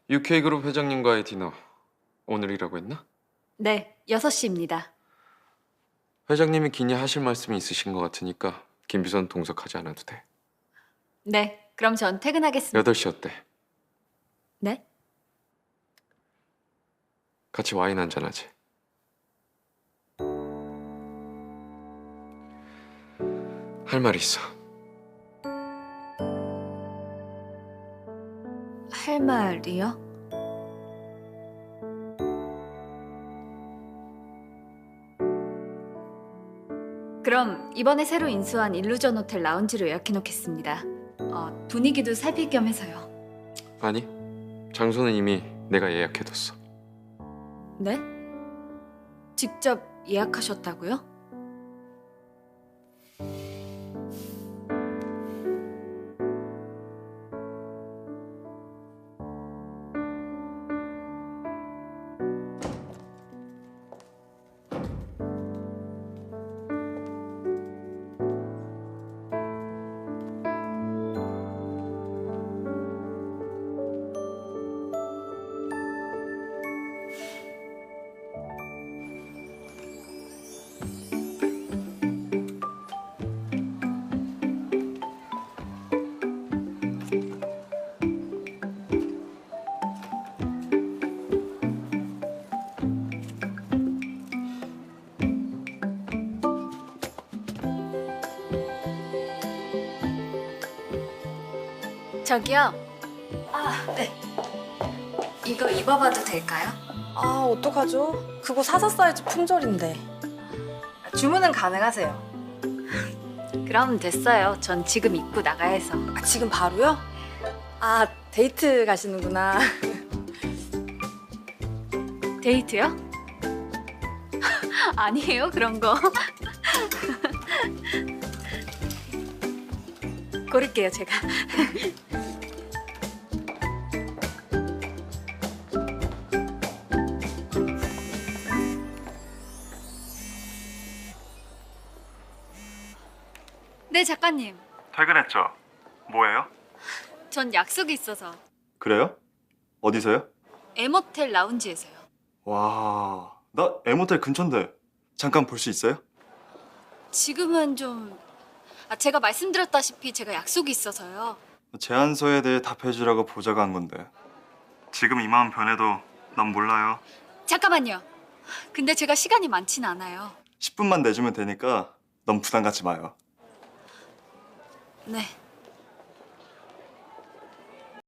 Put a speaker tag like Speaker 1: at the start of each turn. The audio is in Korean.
Speaker 1: UK그룹 회장님과의 디너 오늘이라고 했나?
Speaker 2: 네, 6시입니다.
Speaker 1: 회장님이 기니 하실 말씀이 있으신 것 같으니까 김 비서는 동석하지 않아도 돼.
Speaker 2: 네, 그럼 전 퇴근하겠습니다.
Speaker 1: 8시 어때?
Speaker 2: 네?
Speaker 1: 같이 와인 한잔 하지. 할 말 있어.
Speaker 2: 할 말이요? 그럼 이번에 새로 인수한 일루전 호텔 라운지로 예약해 놓겠습니다. 분위기도 살필 겸 해서요.
Speaker 1: 아니, 장소는 이미 내가 예약해뒀어.
Speaker 2: 네? 직접 예약하셨다고요? 저기요. 네. 이거 입어봐도 될까요?
Speaker 3: 아, 어떡하죠? 그거 사사 사이즈 품절인데. 주문은 가능하세요?
Speaker 2: 그럼 됐어요. 전 지금 입고 나가야 해서.
Speaker 3: 아, 지금 바로요? 아, 데이트 가시는구나.
Speaker 2: 데이트요? 아니에요, 그런 거. 고를게요, 제가. 네, 작가님.
Speaker 4: 퇴근했죠? 뭐예요?
Speaker 2: 전 약속이 있어서
Speaker 4: 그래요? 어디서요?
Speaker 2: M호텔 라운지에서요.
Speaker 4: 와, 나 M호텔 근처인데 잠깐 볼 수 있어요?
Speaker 2: 지금은 좀... 제가 말씀드렸다시피 제가 약속이 있어서요.
Speaker 4: 제안서에 대해 답해주라고 보자가 한 건데 지금 이 마음 변해도 난 몰라요.
Speaker 2: 잠깐만요. 근데 제가 시간이 많진 않아요.
Speaker 4: 10분만 내주면 되니까 너무 부담 갖지 마요.
Speaker 2: 네.